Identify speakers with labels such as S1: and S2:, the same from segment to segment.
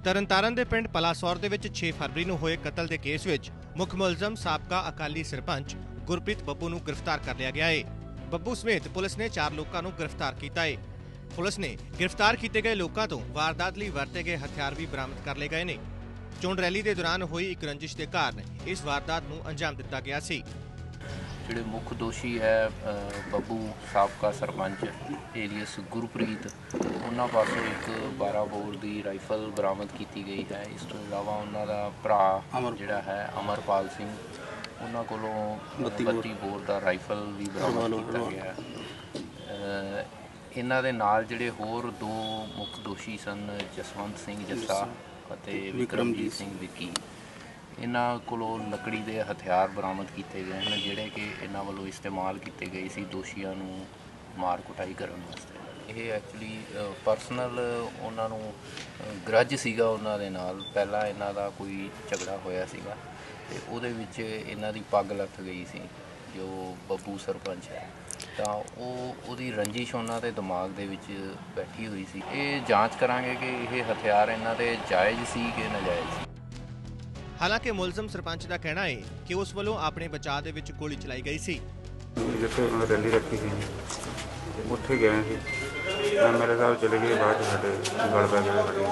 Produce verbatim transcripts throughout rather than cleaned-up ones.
S1: ਤਰਨਤਾਰਨ ਦੇ ਪਿੰਡ ਪਲਾਸੌਰ ਦੇ ਵਿੱਚ ਛੇ ਫਰਵਰੀ ਨੂੰ ਹੋਏ ਕਤਲ ਦੇ ਕੇਸ ਵਿੱਚ ਮੁੱਖ ਮੁਲਜ਼ਮ ਸਾਬਕਾ ਅਕਾਲੀ ਸਰਪੰਚ ਗੁਰਪ੍ਰੀਤ ਬੱਬੂ ਨੂੰ ਗ੍ਰਿਫਤਾਰ ਕਰ ਲਿਆ ਗਿਆ ਹੈ। ਬੱਬੂ ਸਮੇਤ ਪੁਲਿਸ ਨੇ ਚਾਰ ਲੋਕਾਂ ਨੂੰ ਗ੍ਰਿਫਤਾਰ ਕੀਤਾ ਹੈ। ਪੁਲਿਸ ਨੇ ਗ੍ਰਿਫਤਾਰ ਕੀਤੇ ਗਏ ਲੋਕਾਂ ਤੋਂ ਵਾਰਦਾਤ ਲਈ ਵਰਤੇ ਗਏ ਹਥਿਆਰ ਵੀ ਬਰਾਮਦ ਕਰ ਲਏ ਗਏ ਨੇ। ਚੋਣ ਰੈਲੀ ਦੇ ਦੌਰਾਨ ਹੋਈ ਇੱਕ ਰੰਜਿਸ਼ ਦੇ ਕਾਰਨ ਇਸ ਵਾਰਦਾਤ ਨੂੰ ਅੰਜਾਮ ਦਿੱਤਾ ਗਿਆ ਸੀ।
S2: ਜਿਹੜੇ ਮੁੱਖ ਦੋਸ਼ੀ ਹੈ ਬੱਬੂ ਸਾਬਕਾ ਸਰਪੰਚ ਏਲੀਅਸ ਗੁਰਪ੍ਰੀਤ, ਉਹਨਾਂ ਪਾਸੋਂ ਇੱਕ ਬਾਰਾਂ ਬੋਰ ਦੀ ਰਾਈਫਲ ਬਰਾਮਦ ਕੀਤੀ ਗਈ ਹੈ। ਇਸ ਤੋਂ ਇਲਾਵਾ ਉਹਨਾਂ ਦਾ ਭਰਾ ਜਿਹੜਾ ਹੈ ਅਮਰਪਾਲ ਸਿੰਘ, ਉਹਨਾਂ ਕੋਲੋਂ ਬੱਤੀ ਬੋਰ ਦਾ ਰਾਈਫਲ ਵੀ ਬਰਾਮਦ ਕੀਤਾ ਗਿਆ ਹੈ। ਇਹਨਾਂ ਦੇ ਨਾਲ ਜਿਹੜੇ ਹੋਰ ਦੋ ਮੁੱਖ ਦੋਸ਼ੀ ਸਨ, ਜਸਵੰਤ ਸਿੰਘ ਜੱਸਾ ਅਤੇ ਵਿਕਰਮਜੀਤ ਸਿੰਘ ਵਿੱਕੀ, ਇਹਨਾਂ ਕੋਲੋਂ ਲੱਕੜੀ ਦੇ ਹਥਿਆਰ ਬਰਾਮਦ ਕੀਤੇ ਗਏ ਹਨ, ਜਿਹੜੇ ਕਿ ਇਹਨਾਂ ਵੱਲੋਂ ਇਸਤੇਮਾਲ ਕੀਤੇ ਗਏ ਸੀ ਦੋਸ਼ੀਆਂ ਨੂੰ ਮਾਰ ਕੁਟਾਈ ਕਰਨ ਵਾਸਤੇ। ਇਹ ਐਕਚੁਅਲੀ ਪਰਸਨਲ ਉਹਨਾਂ ਨੂੰ ਗਰਜ ਸੀਗਾ ਉਹਨਾਂ ਦੇ ਨਾਲ, ਪਹਿਲਾਂ ਇਹਨਾਂ ਦਾ ਕੋਈ ਝਗੜਾ ਹੋਇਆ ਸੀਗਾ ਅਤੇ ਉਹਦੇ ਵਿੱਚ ਇਹਨਾਂ ਦੀ ਪੱਗ ਲੱਥ ਗਈ ਸੀ ਜੋ ਬੱਬੂ ਸਰਪੰਚ ਹੈ, ਤਾਂ ਉਹ ਉਹਦੀ ਰੰਜਿਸ਼ ਉਹਨਾਂ ਦੇ ਦਿਮਾਗ ਦੇ ਵਿੱਚ ਬੈਠੀ ਹੋਈ ਸੀ। ਇਹ ਜਾਂਚ ਕਰਾਂਗੇ ਕਿ ਇਹ ਹਥਿਆਰ ਇਹਨਾਂ ਦੇ ਜਾਇਜ਼ ਸੀ ਕਿ ਨਾਜਾਇਜ਼ ਸੀ।
S1: ਹਾਲਾਂਕਿ ਮੁਲਜ਼ਮ ਸਰਪੰਚ ਦਾ ਕਹਿਣਾ ਹੈ ਕਿ ਉਸ ਵੱਲੋਂ ਆਪਣੇ ਬਚਾਅ ਦੇ ਵਿੱਚ ਗੋਲੀ ਚਲਾਈ ਗਈ ਸੀ।
S3: ਜਿੱਥੇ ਉਹਨਾਂ ਰੈਲੀ ਰੱਖੀ ਸੀ ਉੱਥੇ ਗਏ ਸੀ, ਮੇਰੇ ਸਾਹਿਬ ਚਲੇ ਗਏ, ਬਾਅਦ ਸਾਡੇ ਗਲ ਪੈ ਗਏ।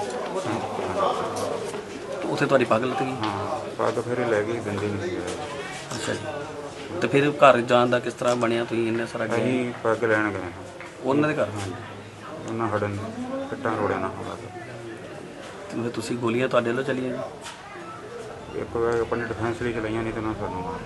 S4: ਉੱਥੇ ਤੁਹਾਡੀ ਪੱਗ ਲੱਤ ਗਈ?
S3: ਹਾਂ, ਪੱਗ ਫਿਰ ਲੈ ਗਈ, ਦੰਦੀ ਨਹੀਂ।
S4: ਅੱਛਾ ਜੀ, ਤੇ ਫਿਰ ਘਰ ਜਾਣ ਦਾ ਕਿਸ ਤਰ੍ਹਾਂ ਬਣਿਆ? ਤੁਸੀਂ ਇੰਨੇ ਸਾਰਾ ਗਏ?
S3: ਅਸੀਂ ਪੱਗ ਲੈਣ ਗਏ
S4: ਉਹਨਾਂ ਦੇ ਘਰ?
S3: ਹਾਂਜੀ, ਉਹਨਾਂ ਹੜਨ ਫਿੱਟਾਂ ਰੋੜਿਆ ਨਾ ਹੋਣਾ।
S4: ਤੇ ਤੁਸੀਂ ਗੋਲੀਆਂ ਤੁਹਾਡੇ ਵੱਲੋਂ ਚੱਲੀਆਂ ਜੀ?
S3: ਇੱਕ ਵਾਰ ਆਪਣੇ ਡਿਫੈਂਸ ਲਈ ਚਲਾਈਆਂ, ਨਹੀਂ ਤਾਂ ਨਾ ਸਾਨੂੰ ਮਾਰ।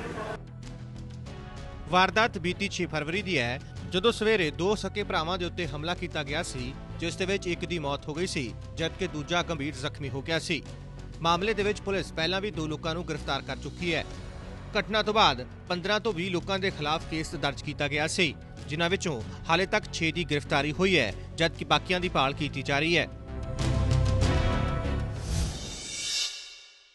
S1: ਵਾਰਦਾਤ ਬੀਤੀ ਛੇ ਫਰਵਰੀ ਦੀ ਹੈ, ਜਦੋਂ ਸਵੇਰੇ ਦੋ ਸਕੇ ਭਰਾਵਾਂ ਦੇ ਉੱਤੇ ਹਮਲਾ ਕੀਤਾ ਗਿਆ ਸੀ, ਜਿਸ ਦੇ ਵਿੱਚ ਇੱਕ ਦੀ ਮੌਤ ਹੋ ਗਈ ਸੀ ਜਦਕਿ ਦੂਜਾ ਗੰਭੀਰ ਜ਼ਖਮੀ ਹੋ ਗਿਆ ਸੀ। ਮਾਮਲੇ ਦੇ ਵਿੱਚ ਪੁਲਿਸ ਪਹਿਲਾਂ ਵੀ ਦੋ ਲੋਕਾਂ ਨੂੰ ਗ੍ਰਿਫਤਾਰ ਕਰ ਚੁੱਕੀ ਹੈ। ਘਟਨਾ ਤੋਂ ਬਾਅਦ ਪੰਦਰਾਂ ਤੋਂ ਵੀਹ ਲੋਕਾਂ ਦੇ ਖਿਲਾਫ ਕੇਸ ਦਰਜ ਕੀਤਾ ਗਿਆ ਸੀ, ਜਿਨ੍ਹਾਂ ਵਿੱਚੋਂ ਹਾਲੇ ਤੱਕ ਛੇ ਦੀ ਗ੍ਰਿਫਤਾਰੀ ਹੋਈ ਹੈ, ਜਦਕਿ ਬਾਕੀਆਂ ਦੀ ਭਾਲ ਕੀਤੀ ਜਾ ਰਹੀ ਹੈ।